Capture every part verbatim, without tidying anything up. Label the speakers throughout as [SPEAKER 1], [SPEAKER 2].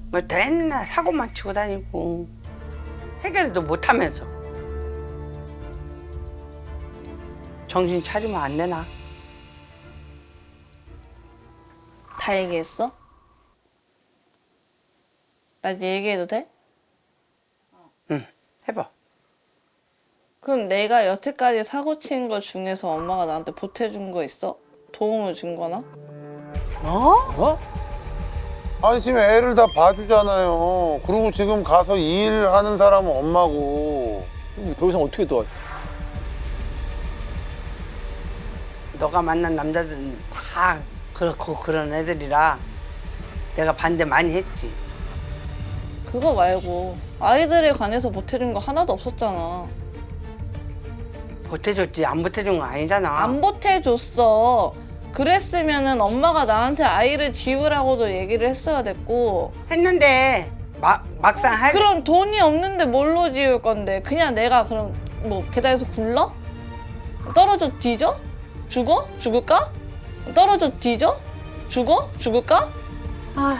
[SPEAKER 1] 뭐 맨날 사고만 치고 다니고 해결도 못하면서 정신 차리면 안 되나?
[SPEAKER 2] 다 얘기했어? 나 얘기해도 돼?
[SPEAKER 1] 응, 해봐.
[SPEAKER 2] 그럼 내가 여태까지 사고 친 거 중에서 엄마가 나한테 보태준 거 있어? 도움을 준 거나?
[SPEAKER 1] 어?
[SPEAKER 3] 어?
[SPEAKER 4] 아니 지금 애를 다 봐주잖아요. 그리고 지금 가서 일하는 사람은 엄마고.
[SPEAKER 3] 더 이상 어떻게 도와줘?
[SPEAKER 1] 너가 만난 남자들은 다 그렇고 그런 애들이라 내가 반대 많이 했지.
[SPEAKER 2] 그거 말고 아이들에 관해서 보태준 거 하나도 없었잖아.
[SPEAKER 1] 보태줬지 안 보태준 거 아니잖아.
[SPEAKER 2] 안 보태줬어. 그랬으면은 엄마가 나한테 아이를 지우라고도 얘기를 했어야 됐고.
[SPEAKER 1] 했는데 마, 막상 할
[SPEAKER 2] 그럼 돈이 없는데 뭘로 지울 건데? 그냥 내가 그럼 뭐 계단에서 굴러? 떨어져 뒤져? 죽어? 죽을까? 떨어져 뒤져? 죽어? 죽을까?
[SPEAKER 3] 아,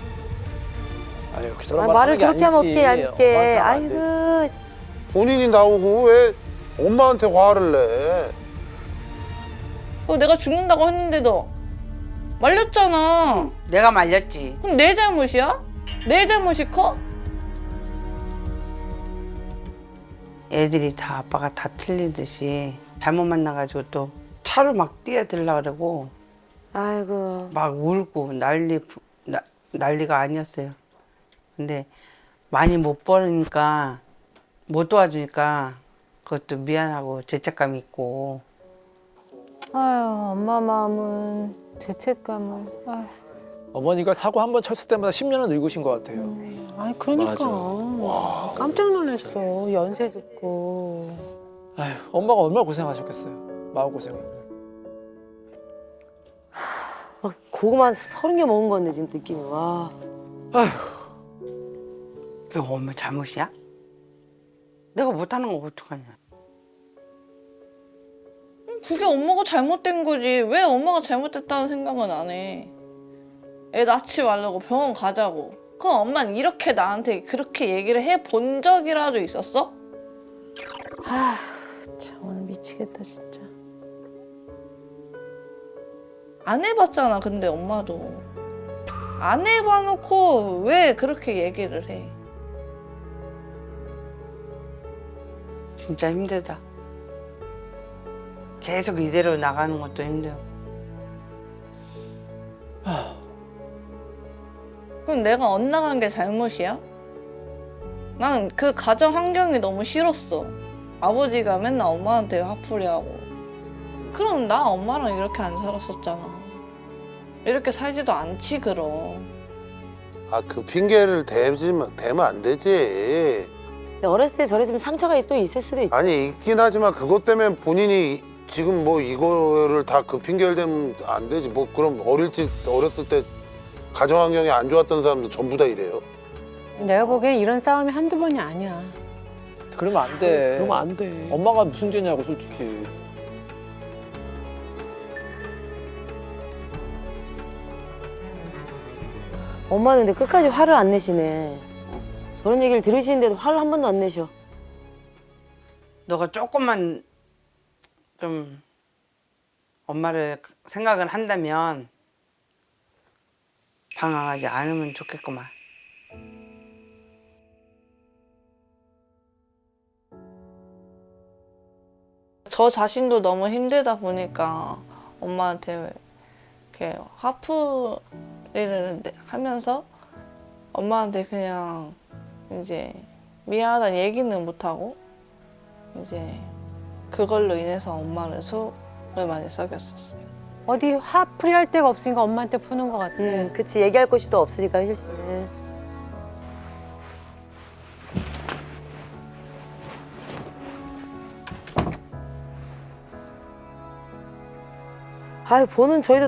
[SPEAKER 3] 이렇게 저런
[SPEAKER 5] 아,
[SPEAKER 3] 말
[SPEAKER 5] 말을
[SPEAKER 3] 하는 게
[SPEAKER 5] 저렇게 하면
[SPEAKER 3] 아니지.
[SPEAKER 5] 어떻게 얇게.
[SPEAKER 3] 엄마한테 하면 안 돼.
[SPEAKER 5] 아이고.
[SPEAKER 4] 본인이 나오고 왜 엄마한테 화를 내?
[SPEAKER 2] 어, 내가 죽는다고 했는데도 말렸잖아.
[SPEAKER 1] 내가 말렸지.
[SPEAKER 2] 그럼 내 잘못이야? 내 잘못이 커?
[SPEAKER 1] 애들이 다 아빠가 다 틀리듯이 잘못 만나가지고 또 차로 막 뛰어들라 그러고
[SPEAKER 5] 아이고.
[SPEAKER 1] 막 울고 난리 부- 나, 난리가 아니었어요. 근데 많이 못 벌으니까 못 도와주니까 그것도 미안하고 죄책감이 있고.
[SPEAKER 6] 아유, 엄마 마음은 죄책감을. 아유,
[SPEAKER 3] 어머니가 사고 한 번 쳤을 때마다 십 년은 늙으신 것 같아요.
[SPEAKER 6] 아니 그러니까
[SPEAKER 3] 맞아.
[SPEAKER 6] 깜짝 놀랐어. 연세 듣고.
[SPEAKER 3] 아휴, 엄마가 얼마나 고생하셨겠어요. 마음고생을.
[SPEAKER 5] 막 고구마 서른 개 먹은 건데 지금 느낌이 와.
[SPEAKER 1] 그게 엄마 잘못이야? 내가 못하는 거 어떡하냐.
[SPEAKER 2] 그게 엄마가 잘못된 거지. 왜 엄마가 잘못됐다는 생각은 안 해. 애 낳지 말라고 병원 가자고. 그럼 엄마는 이렇게 나한테 그렇게 얘기를 해 본 적이라도 있었어?
[SPEAKER 6] 참 오늘 미치겠다 진짜.
[SPEAKER 2] 안 해봤잖아. 근데 엄마도 안 해봐놓고 왜 그렇게 얘기를 해?
[SPEAKER 1] 진짜 힘들다. 계속 이대로 나가는 것도 힘들어.
[SPEAKER 2] 그럼 내가 엇나간 게 잘못이야? 난 그 가정 환경이 너무 싫었어. 아버지가 맨날 엄마한테 화풀이하고. 그럼 나 엄마랑 이렇게 안 살았었잖아. 이렇게 살지도 않지 그럼.
[SPEAKER 4] 아 그 핑계를 대면 대면 안 되지.
[SPEAKER 5] 근데 어렸을 때 저랬으면 상처가 또 있을 수도 있지.
[SPEAKER 4] 아니 있긴 하지만 그것 때문에 본인이 지금 뭐 이거를 다 그 핑계를 대면 안 되지. 뭐 그럼 어릴 때 어렸을 때 가정 환경이 안 좋았던 사람도 전부 다 이래요.
[SPEAKER 6] 내가 보기엔 이런 싸움이 한두 번이 아니야.
[SPEAKER 3] 그러면 안 돼.
[SPEAKER 7] 그러면 안 돼.
[SPEAKER 3] 엄마가 무슨 죄냐고 솔직히.
[SPEAKER 5] 엄마는 근데 끝까지 화를 안 내시네. 저런 얘기를 들으시는데도 화를 한 번도 안 내셔.
[SPEAKER 1] 너가 조금만 좀 엄마를 생각을 한다면 방황하지 않으면 좋겠구만.
[SPEAKER 2] 저 자신도 너무 힘들다 보니까 엄마한테 이렇게 화풀이를 하면서 엄마한테 그냥 이제 미안하다는 얘기는 못하고 이제 그걸로 인해서 엄마를 속을 많이 썩였었어요.
[SPEAKER 6] 어디 화풀이 할 데가 없으니까 엄마한테 푸는 것 같아.
[SPEAKER 5] 응, 그치. 얘기할 곳이 또 없으니까 현실 씨는. 아유, 보는 저희도